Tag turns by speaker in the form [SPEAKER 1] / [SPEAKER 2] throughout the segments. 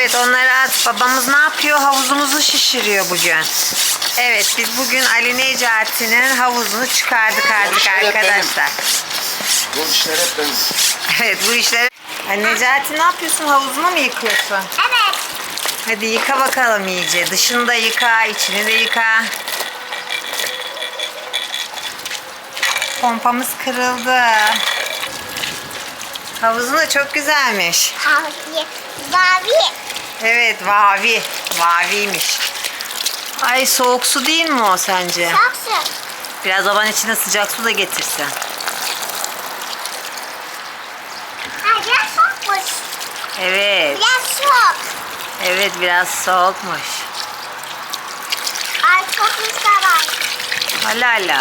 [SPEAKER 1] Evet, onları at. Babamız ne yapıyor? Havuzumuzu şişiriyor bugün. Evet, biz bugün Ali Necati'nin havuzunu çıkardık artık arkadaşlar.
[SPEAKER 2] Bu işler hep benim.
[SPEAKER 1] Evet, bu işleri... Ali Necati, ne yapıyorsun? Havuzunu mu yıkıyorsun?
[SPEAKER 3] Evet.
[SPEAKER 1] Hadi yıka bakalım iyice. Dışını da yıka, içini de yıka. Pompamız kırıldı. Havuzun da çok güzelmiş.
[SPEAKER 3] Mavi.
[SPEAKER 1] Evet, vavi. Vaviymiş. Ay, soğuk su değil mi o sence?
[SPEAKER 3] Saksı.
[SPEAKER 1] Biraz baban içine sıcak su da getirsin.
[SPEAKER 3] Biraz soğukmuş.
[SPEAKER 1] Evet.
[SPEAKER 3] Biraz soğuk.
[SPEAKER 1] Evet, biraz soğukmuş.
[SPEAKER 3] Ay çok güzel var.
[SPEAKER 1] Hala hala.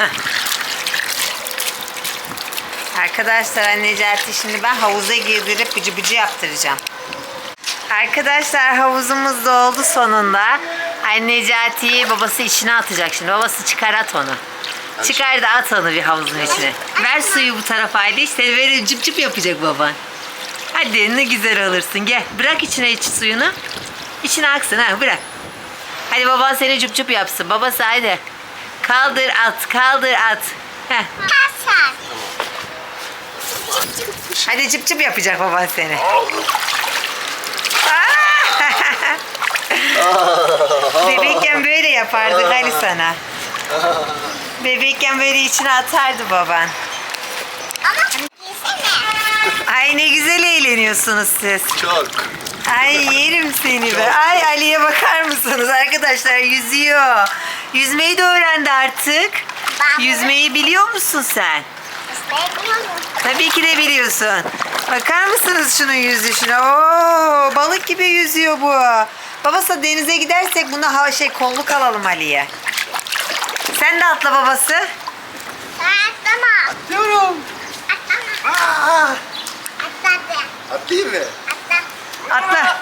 [SPEAKER 1] Arkadaşlar, Necati şimdi ben havuza girdirip bıcı bıcı yaptıracağım. Arkadaşlar, havuzumuz doldu sonunda. Necati'yi babası içine atacak şimdi. Babası çıkar, at onu. Çıkar da at onu bir havuzun içine. Ver suyu bu tarafa, haydi işte böyle cıp cıp yapacak baban. Hadi, ne güzel olursun, gel. Bırak içine iç suyunu. İçine aksın, ha, bırak. Hadi baban seni cıp cıp yapsın. Babası haydi. Kaldır at, kaldır at. Heh.
[SPEAKER 3] Kasar.
[SPEAKER 1] Hadi cıp cıp yapacak baban seni. Bebekken böyle yapardık Ali sana. Bebekken böyle içine atardı baban.
[SPEAKER 3] Ama yesene.
[SPEAKER 1] Ay, ne güzel eğleniyorsunuz siz.
[SPEAKER 2] Çok.
[SPEAKER 1] Ay, yerim seni be. Ay, Ali'ye bakar mısınız arkadaşlar, yüzüyor. Yüzmeyi de öğrendi artık. Yüzmeyi biliyor musun sen? Tabii ki de biliyorsun. Bakar mısınız şunun yüzüşüne? Oo, balık gibi yüzüyor bu. Babası, denize gidersek buna kolluk alalım Ali'ye. Sen de atla babası.
[SPEAKER 3] Atlama.
[SPEAKER 2] Atlıyorum.
[SPEAKER 3] Atlama.
[SPEAKER 2] Aa,
[SPEAKER 3] Atladı.
[SPEAKER 2] atlayayım mı?
[SPEAKER 3] Atla.
[SPEAKER 1] Atla.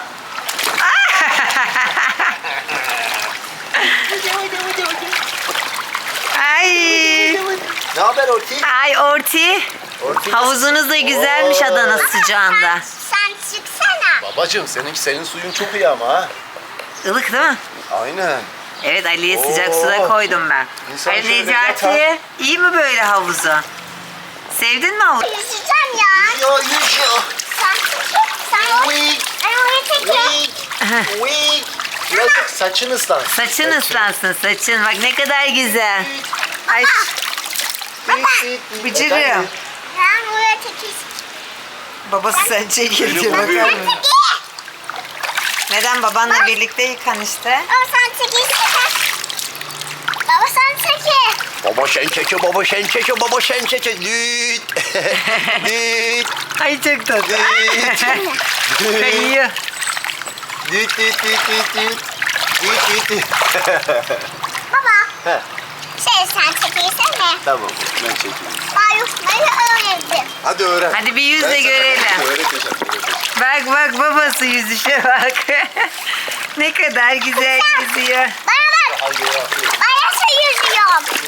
[SPEAKER 1] Ay.
[SPEAKER 2] Ne haber Orti?
[SPEAKER 1] Ay Orti.
[SPEAKER 2] Orti.
[SPEAKER 1] Havuzunuz da güzelmiş
[SPEAKER 2] Oo.
[SPEAKER 1] Adana sıcağında.
[SPEAKER 3] Sen çıksana.
[SPEAKER 2] Babacığım senin suyun çok iyi ama ha.
[SPEAKER 1] Ilık değil mi?
[SPEAKER 2] Aynen.
[SPEAKER 1] Evet, Ali'ye
[SPEAKER 2] Oo.
[SPEAKER 1] sıcak suda koydum ben.
[SPEAKER 2] İnsan
[SPEAKER 1] Ali
[SPEAKER 2] şöyle
[SPEAKER 1] Necati,
[SPEAKER 2] yatar.
[SPEAKER 1] iyi mi böyle havuzu? Sevdin mi havuzu?
[SPEAKER 3] Yüzeceğim ya.
[SPEAKER 2] Ya yüzüyor.
[SPEAKER 3] Sen
[SPEAKER 2] Wik.
[SPEAKER 3] Ben oraya çekeyim.
[SPEAKER 2] Wik. Birazcık saçın ıslan.
[SPEAKER 1] Saçın ıslansın, saçın. Bak ne kadar güzel. Ay, bıcırım.
[SPEAKER 3] Ben oraya çekeyim.
[SPEAKER 1] Babası sen çekil diyor,
[SPEAKER 2] Benim
[SPEAKER 1] bakar
[SPEAKER 2] babam.
[SPEAKER 1] mısın? Neden, babanla birlikte yıkan işte.
[SPEAKER 3] Baba sen çekilsene. Baba sen çekil.
[SPEAKER 2] Baba sen çekiyor, baba sen çekiyor, baba sen çekiyor. Düt. Düt.
[SPEAKER 1] Ay, çok tatlı.
[SPEAKER 2] Düt.
[SPEAKER 1] Kayıyor.
[SPEAKER 2] Düt düt düt düt düt. Düt düt düt.
[SPEAKER 3] Baba
[SPEAKER 2] He,
[SPEAKER 3] sen çekilsene.
[SPEAKER 2] tamam ben çekeyim.
[SPEAKER 3] Ben yüzmeyi öğrendim.
[SPEAKER 2] Hadi öğren.
[SPEAKER 1] Hadi bir yüz
[SPEAKER 2] Ben
[SPEAKER 1] de
[SPEAKER 2] sana
[SPEAKER 1] görelim.
[SPEAKER 2] öğreteceğim.
[SPEAKER 1] Bak bak, babası yüzüşe bak. Ne kadar güzel yüzüyor.
[SPEAKER 3] Bana bak.
[SPEAKER 2] Hadi ya.
[SPEAKER 3] Ben nasıl yüzüyorum?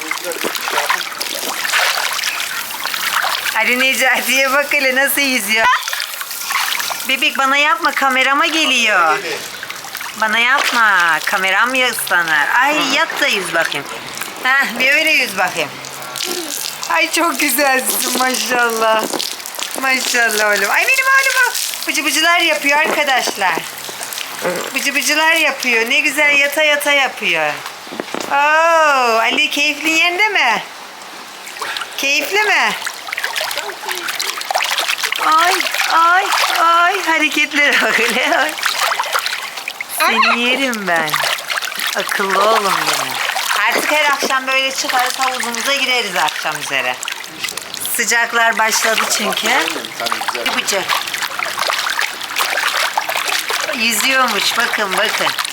[SPEAKER 1] Ali Necati'ye bak hele nasıl yüzüyor. Bebek, bana yapma, kamerama geliyor. Bana yapma, kameram ya ıslanır. Ay, yat da yüz bakayım. Heh, bir öyle yüz bakayım. Ay, çok güzelsin maşallah. Maşallah oğlum. Ay, benim oğlum bıcı bıcılar yapıyor arkadaşlar. Bıcı bıcılar yapıyor. Ne güzel yata yata yapıyor. Oo, Ali, keyifli yerinde mi? Keyifli mi? Ay ay ay, hareketlere bak hele. Ay. Seni yerim ben. Akıllı oğlum benim. Artık her akşam böyle çıkarız, havuzumuza gireriz akşam üzere. Sıcaklar başladı çünkü.
[SPEAKER 2] Tabii güzel.
[SPEAKER 1] Bıcı. Yüzüyormuş, bakın bakın.